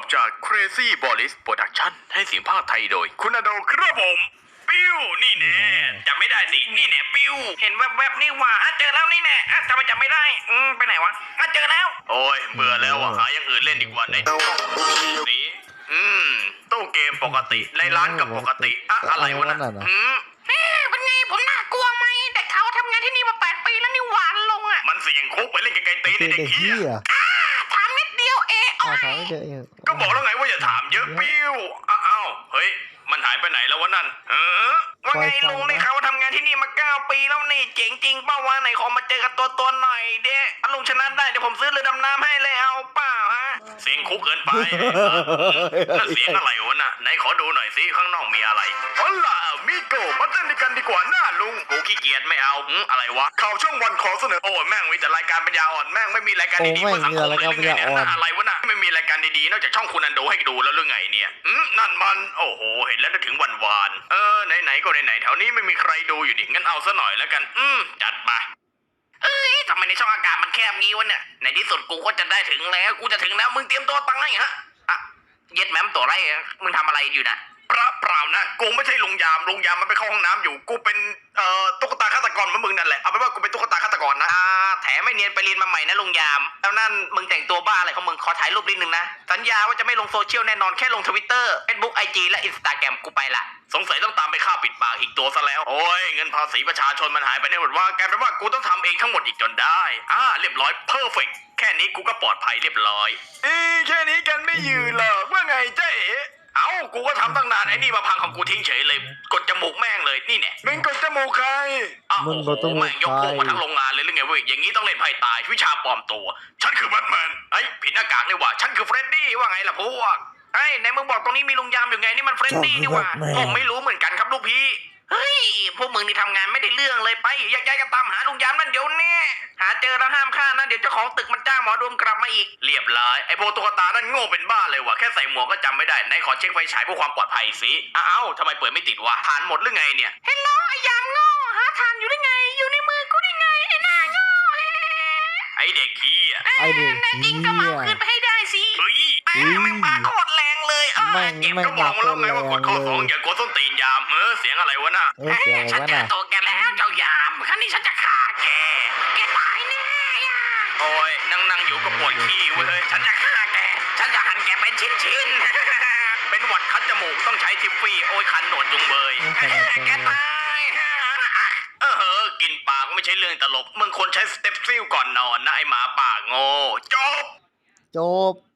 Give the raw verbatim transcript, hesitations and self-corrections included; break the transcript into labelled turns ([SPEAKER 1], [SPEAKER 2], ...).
[SPEAKER 1] จาก Crazy Boris Production ให้เสียงภาคไทยโดยคุณอโดครับผมปิ้วนี่แน่จำไม่ได้สินี่แน่ปิ้วเห็นแวบๆนี่ว่าอ่ะเจอแล้วนี่แน่อ่ะทำไมจำไม่ได้อืมไปไหนวะอ่ะเจอแล้วโอ้ยเบื่อแล้วอ่ะหาอย่างอื่นเล่นดีกว่าไหนนี่อืมตู้เกมปกติในร้านกับปกติอะอะไรวะน่ะอืมเอ๊ะเป็นไงผมน่ากลัวไหมแต่เขาทำงานที่นี่มาแปดปีแล้วนี่หวานลงอ่ะมันเสี่ยงคุกไปเล่นไกลๆตีนเด็กเหี้ยถามนิดเดียวเองอ้อยก็บอกแล้วไงว่าอย่าถามเยอะปิ้วอ้าวเฮ้ยมันหายไปไหนแล้ววะนั่นเออว่าไงลุงได้เขาทำงานที่นี่มาเก้าปีแล้วนี่เจ๋งจริงเป้าวะไหนขอมาเจอกันตัวตัวหน่อยเด้ลุงชนะได้เดี๋ยวผมซื้อเรือดำน้ำให้เลยเอาเปล่าฮะเสียงคุกเกินไปนั่นเสียงอะไรวะน่ะไหนขอดูหน่อยสิข้างนอกมีอะไรอ๋อล่ะมิโกมาเต้นด้วยกันดีกว่าหน้าลุงกูขี้เกียจไม่เอาอะไรวะข่าวช่องวันขอเสนอโอ้แม่งมีแต่รายการปัญญาอ่อนแม่งไม่มีรายการดีๆเพื่อสังคมเลยหรือไงเนี่ยอะไรวะน่ะไม่มีรายการดีๆนอกจากช่องคุณอันโดให้ดูแล้วหรือไงเนี่ยอืมนั่นมันโอ้โหเห็นแล้วนึกถึงวันวานเออไหนๆก็ไหนๆแถวนี้ไม่มีใครดูอยู่ดิงั้นเอาซะหน่อยแล้วกันอืมจัดไปเอ้ยทำไมในช่องอากาศมันแคบงี้วะเนี่ยในที่สุดกูก็จะได้ถึงแล้วกูจะถึงแล้วมึงเตรียมตัวตั้งให้ฮะอะเย็ดแม่มตัวไรมึงทำอะไรอยู่นะเปล่าเปล่านะกูไม่ใช่ลุงยามลุงยามมันไปเข้าห้องน้ำอยู่กูเป็นเอ่อตุ๊กตาฆาตกรเหมือนมึงนั่นแหละเอาเป็นว่ากูเป็นตุ๊กตาฆาตกรนะอ่าแถมไม่เนียนไปเรียนมาใหม่นะลุงยามแล้วนั่นมึงแต่งตัวบ้าอะไรของมึงขอถ่ายรูปนิดนึงนะสัญญาว่าจะไม่ลงโซเชียลแน่นอนแค่ลงทวิตเตอร์เฟซบุ๊กไอจีและอินสตาแกรมกูไปละสงสัยต้องตามไปฆ่าปิดปากอีกตัวซะแล้วโอ้ยเงินภาษีประชาชนมันหายไปได้หมดว่ากลายเป็นว่ากูต้องทำเองทั้งหมดอีกจนได้อ่าเรียบร้อยเพอร์เฟกต์แค่นี้กูก็ปลอดภัยเรียบร้อยเอ้แค่นี้กันไม่ยืนหรอกว่าไงเจ๊เอ้ากูก็ทำตั้งนานไอ้นี่มาพังของกูทิ้งเฉยเลยกดจมูกแม่งเลยนี่เนี่ยมึงกดจมูกใครอ้าวโอ้โหแม่งยกพวกมาทั้งโรงงานเลยหรือไงเว้ยอย่างนี้ต้องเล่นไพ่ตายวิชาปลอมตัวฉันคือแบทแมนไอ้ผิดหน้ากากนี่หว่าฉันคือเฟรดดี้ว่าไงล่ะพวกไอ้ไหนมึงบอกตรงนี้มีลุงยามอยู่ไงนี่มันเฟรดดี้นี่หว่าผมไม่รู้เหมือนกันครับลูกพี่เฮ้ยพวกมึงนี่ทำงานไม่ได้เรื่องเลยไปแยกย้ายกันตามหาลุงยามนั่นเดี๋ยวนี้หาเจอแล้วห้ามฆ่านะเดี๋ยวเจ้าของตึกมันจ้างหมอดูมกลับมาอีกเรียบร้อยไอ้พวกตุ๊กตานั่นโง่เป็นบ้าเลยว่ะแค่ใส่หมวกก็จำไม่ได้ไหนขอเช็คไฟฉายเพื่อความปลอดภัยสิอ้าวทำไมเปิดไม่ติดวะฐานหมดหรือไงเนี่ยเฮลโลไอ้ยามโง่หาฐานอยู่ได้ไงอยู่ในมือกูได้ไงไอ้หน้าโง่ไอ้เด็กขี้อ่ะไอ้เด็กขี้ก็มาขึ้นไปให้ได้สิเฮ้ยแม่งปาโคตรแรงเลยเออเจ็บก็บอกมาแล้วไงว่ากดข้อสองอย่ากดส้นตีนยามเออเสียงอะไรวะน่ะเออเสียงอะไรวะน่ะตัวแกแล้วเจ้ายามครั้งนี้ฉันจะฆ่าแกแกตายแน่โอ้ยนั่งนั่งอยู่ก็ปวดขี้เว้ยฉันจะฆ่าแกฉันจะหั่นแกเป็นชิ้นชิ้นเป็นหวัดคัดจมูกต้องใช้ทิฟฟี่โอ้ยคันหนวดจุงเบยแกตายเออกินปลาก็ไม่ใช่เรื่องตลกมึงควรใช้สเต็ปซิลก่อนนอนนะไอหมาป่าโง่จบ
[SPEAKER 2] จบ